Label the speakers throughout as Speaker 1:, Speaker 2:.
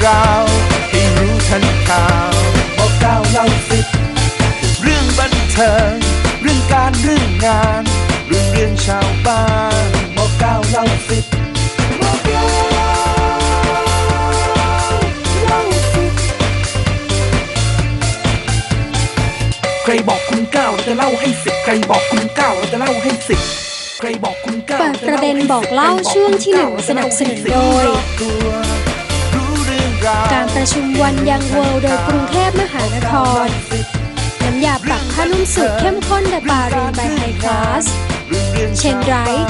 Speaker 1: ราวให้รู้ทันข่าวบอกเล่าสิบเรื่องบันเทิงเรื่องการเรื่องงานเรื่องชาวบ้านบอกเล่าสิบบอกเล่าสิบใครบอกคุณเก้าเราจะเล่าให้สิบใครบอกคุณเก้าเราจะเล่าให้สิบเปิด
Speaker 2: ประเด็นบอกเล่าช่วงที่ 1 สนับสนุนโดยการประชุมวันยังเวิลด์โดยกรุงเทพมหานครน้ำยาปรับผ้านุ่มสูตรเข้มข้นแบบบารีน by High Class เชนไรท์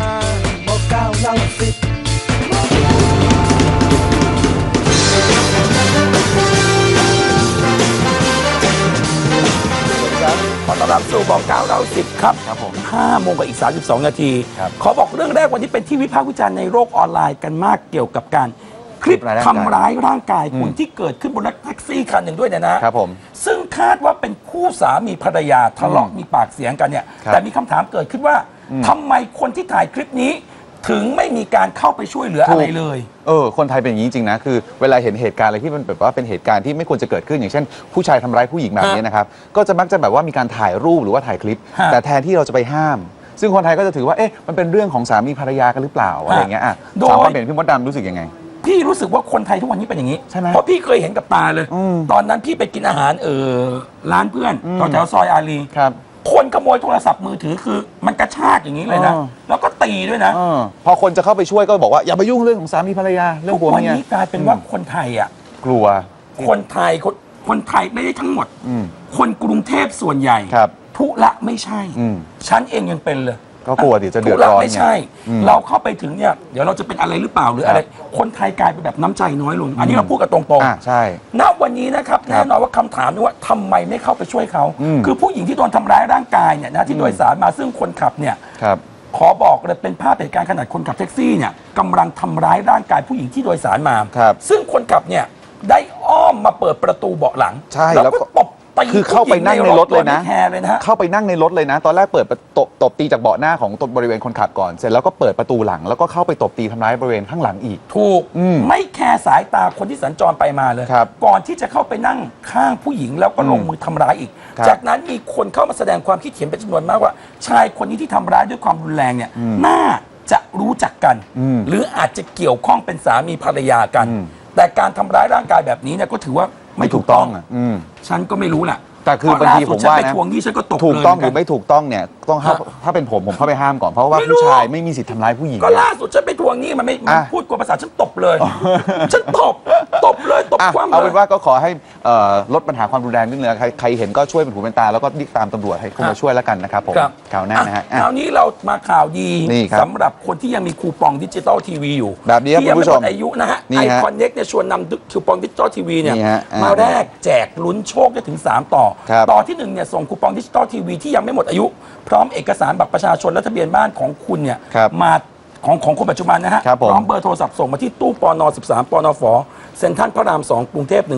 Speaker 3: ขอต้อนรับสู่บอก9เรา10ครับผม5 โมงกับอีก32 นาทีขอบอกเรื่องแรกวันนี้เป็นที่วิพากษ์วิจารณ์ในโลกออนไลน์กันมากเกี่ยวกับการคลิปทำร้ายร่างกายคุณที่เกิดขึ้นบนรถแท็กซี่คันหนึ่งด้วยนะครับ
Speaker 4: ผม
Speaker 3: ซึ่งคาดว่าเป็นคู่สามีภรรยาทะเลาะมีปากเสียงกันเนี่ยแต่มีคำถามเกิดขึ้นว่าทำไมคนที่ถ่ายคลิปนี้ถึงไม่มีการเข้าไปช่วยเหลืออะไรเลย
Speaker 4: คนไทยเป็นอย่างนี้จริงๆนะคือเวลาเห็นเหตุการณ์อะไรที่มันแบบว่าเป็นเหตุการณ์ที่ไม่ควรจะเกิดขึ้นอย่างเช่นผู้ชายทำร้ายผู้หญิงแบบนี้นะครับก็จะมักจะแบบว่ามีการถ่ายรูปหรือว่าถ่ายคลิปแต่แทนที่เราจะไปห้ามซึ่งคนไทยก็จะถือว่ามันเป็นเรื่องของสามีภรรยากันหรือเปล่าอะไรอย่างเงี้ยถามความเห็นพี่มดดำรู้สึกยังไง
Speaker 3: พี่รู้สึกว่าคนไทยทุกวันนี้เป็นอย่างนี้
Speaker 4: ใช่ไหม
Speaker 3: เพราะพี่เคยเห็นกับตาเลยตอนนั้นพี่ไปกินอาหารร้านเพื่อนแถวซอยอารีคนขโมยโทรศัพท์มือถือคือมันกระชากอย่างนี้เลยนะแล้วก็ตีด้วยนะ
Speaker 4: พอคนจะเข้าไปช่วยก็บอกว่าอย่าไปยุ่งเรื่องของสามีภรรยาเรื่องผัวเมีย
Speaker 3: วันนี้กลายเป็นว่าคนไทย
Speaker 4: กลัว
Speaker 3: คนไทยไม่ได้ทั้งหมดคนกรุงเทพส่วนใหญ่ทุละไม่ใช่ฉันเองยังเป็นเลย
Speaker 4: ก็กลัวดิจะเดือดร้อน
Speaker 3: ไม่ใช่เราเข้าไปถึงเนี่ยเดี๋ยวเราจะเป็นอะไรหรือเปล่าหรืออะไรคนไทยกลายเป็นแบบน้ำใจน้อยลงอันนี้เราพูดกันตรง
Speaker 4: ๆใช่
Speaker 3: ณวันนี้นะครับแน่นอนว่าคำถามนี้ว่าทำไมไม่เข้าไปช่วยเขาคือผู้หญิงที่โดนทำร้ายร่างกายเนี่ยนะที่โดยสารมาซึ่งคนขับเนี่ยขอบอกเลยเป็นภาพเหตุการณ์ขนาดคนขับแท็กซี่เนี่ยกำลังทำร้ายร่างกายผู้หญิงที่โดยสารมาซึ่งคนขับเนี่ยได้อ้อมมาเปิดประตูเบาะหลังแล้วก็ตบ
Speaker 4: คือเข้าไปนั่งในรถเลยนะเข้าไปนั่งในรถเลยนะตอนแรกเปิดตบตีจากเบาะหน้าของบริเวณคนขับก่อนเสร็จแล้วก็เปิดประตูหลังแล้วก็เข้าไปตบตีทำร้ายบริเวณข้างหลังอีก
Speaker 3: ถูกไม่แคร์สายตาคนที่สัญจรไปมาเลยก่อนที่จะเข้าไปนั่งข้างผู้หญิงแล้วก็ลงมือทำร้ายอีกจากนั้นมีคนเข้ามาแสดงความคิดเห็นเป็นจำนวนมากว่าชายคนนี้ที่ทำร้ายด้วยความรุนแรงเนี่ยน่าจะรู้จักกันหรืออาจจะเกี่ยวข้องเป็นสามีภรรยากันแต่การทำร้ายร่างกายแบบนี้เนี่ยก็ถือว่าไม่ถูกต้องฉันก็ไม่รู้แหละ
Speaker 4: แต่คือบางทีผมว่านะถูกต้องหรือไม่ถูกต้องเนี่ยต้องถ้าเป็นผมเข้าไปห้ามก่อนเพราะว่าผู้ชายไม่มีสิทธิ์ทำร้ายผู้หญิง
Speaker 3: ก็ล่าสุดฉันไปทวงหนี้มันไม่พูดกว่าภาษาฉันตบเลยฉันตบเลยตบความ
Speaker 4: เอาเป็นว่าก็ขอให้ลดปัญหาความรุนแรงนิดนึงใครเห็นก็ช่วยเป็นหูเป็นตาแล้วก็รีบตามตำรวจให้เข้ามาช่วยแล้วกันนะครับผมข่าวหน้านะฮะ
Speaker 3: คราวนี้เรามาข่าวดีสำหรับคนที่ยังมีคูปองดิจิตอลทีวีอยู่
Speaker 4: แบบนี้
Speaker 3: ที่ยังไม่หมดอายุนะฮะ
Speaker 4: ไอ
Speaker 3: คอนเน็กเนี่ยชวนนำคูปองดิจิตอลทีวีเนี่ยมาแลกแจกลุ้นโชคได้ถึง3ต่อที่1เนี่ยส่งคูปองดิจิตอลทีวีที่ยังไม่หมดอายุพร้อมเอกสารบัตรประชาชนและทะเบียนบ้านของคุณเนี่ยมาของคนปัจจุบันนะฮะพร้อมเบอร์โทรศัพท์ส่งมาที่ตู้ปน13ปนฝเซ็นทรัลพระราม2กรุงเทพ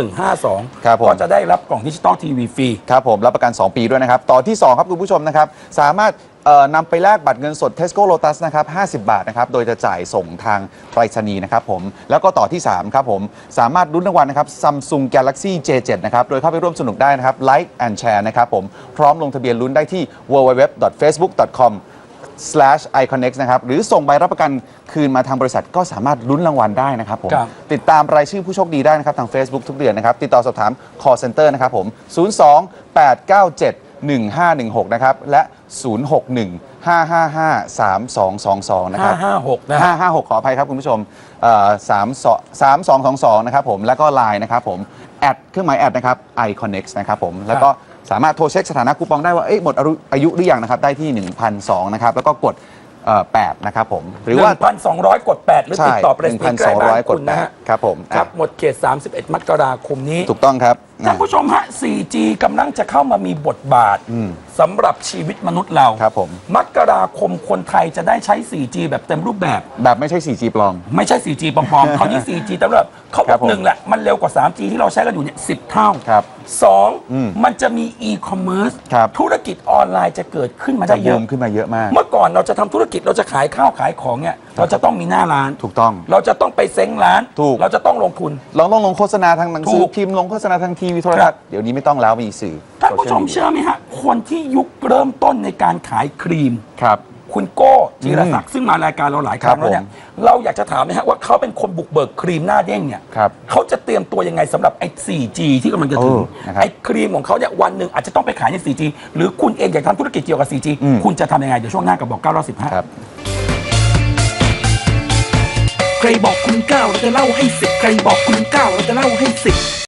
Speaker 3: 10152ก็จะได้รับกล่องดิจิตอลทีวีฟรี
Speaker 4: ครับผมรับประกัน2 ปีด้วยนะครับต่อที่2ครับคุณผู้ชมนะครับสามารถนำไปแลกบัตรเงินสด Tesco Lotus นะครับ50 บาทนะครับโดยจะจ่ายส่งทางไปรษณีย์นะครับผมแล้วก็ต่อที่3ครับผมสามารถลุ้นรางวัลนะครับ Samsung Galaxy J7 นะครับโดยเข้าไปร่วมสนุกได้นะครับ Like and Share นะครับผมพร้อมลงทะเบียนลุ้นได้ที่ www.facebook.com/iconnex นะครับหรือส่งใบรับประกันคืนมาทางบริษัทก็สามารถลุ้นรางวัลได้นะครับผมติดตามรายชื่อผู้โชคดีได้นะครับทาง Facebook ทุกเดือนนะครับติดต่อสอบถาม call center นะครับผม02-897-1516นะครับและ061-555-3222นะครับ
Speaker 3: 556นะ
Speaker 4: 556ขออภัยครับคุณผู้ชม3222นะครับผมแล้วก็ LINE นะครับผมเครื่องหมายแอดนะครับ iConnex นะครับผมแล้วก็สามารถโทรเช็คสถานะคูปองได้ว่าหมดอายุหรือยังนะครับได้ที่ 1,200 นะครับแล้วก็กด8นะครับผม
Speaker 3: หรือว่า 1,200 กด 8 หรือติดต่อไปที่ใกล้บ้านคุณนะฮะ
Speaker 4: ครับผม
Speaker 3: ครับหมดเขต31 มกราคมนี้
Speaker 4: ถูกต้องครับ
Speaker 3: ท่านผู้ชมฮะ 4G กำลังจะเข้ามามีบทบาทสำหรับชีวิตมนุษย์เรา
Speaker 4: ครับผม
Speaker 3: มกราคมคนไทยจะได้ใช้ 4G แบบเต็มรูปแบบ
Speaker 4: ไม่ใช่ 4G ปลอม
Speaker 3: ไม่ใช่ 4G ปลอมคราวนี้ 4G เต็มรูปแบบเขาบอก1แหละมันเร็วกว่า 3G ที่เราใช้กันอยู่เนี่ย10 เท่า2มันจะมี e-commerce ธุรกิจออนไลน์จะเกิดขึ้นมาได้เยอะ
Speaker 4: ขึ้นมาเยอะมาก
Speaker 3: เมื่อก่อนเราจะทำธุรกิจเราจะขายข้าวขายของเนี่ยเราจะต้องมีหน้าร้าน
Speaker 4: ถูกต้อง
Speaker 3: เราจะต้องไปเซ้งร้าน
Speaker 4: ถูก
Speaker 3: เราจะต้องลงทุน
Speaker 4: เราต้องลงโฆษณาทางหนังสื
Speaker 3: ถู
Speaker 4: อก พิมพ์ลงโฆษณาทางทีวีโทรทัศน์เดี๋ยวนี้ไม่ต้องแล้วมีสื่อ
Speaker 3: ท่านผู้ชม
Speaker 4: โซเชียล
Speaker 3: เชื่อไหมฮะ คนที่ยุคเริ่มต้นในการขายครีม
Speaker 4: ครับ
Speaker 3: คุณโก้จีรศักดิ์ซึ่งมารายการเราหลายครั้งแล้วเนี่ยเราอยากจะถามนะฮะว่าเขาเป็นคนบุกเบิกครีมหน้าเด้งเนี่ย
Speaker 4: ครับ
Speaker 3: เขาจะเตรียมตัวยังไงสำหรับไอ้ 4G ที่กำลังจะถึง
Speaker 4: นะครับ
Speaker 3: ไอ้ครีมของเขาเนี่ยวันหนึ่งอาจจะต้องไปขายใน 4G หรือคุณเองอยากทำธุรกิจเกี่ยวกับ 4G คุณจะทำยังไงเดี๋ยวช่วงหน้ากับบอก9 10
Speaker 4: ครับ
Speaker 1: ใครบอกคุณ9เราจะเล่าให้10ใครบอกคุณ9เราจะเล่าให้10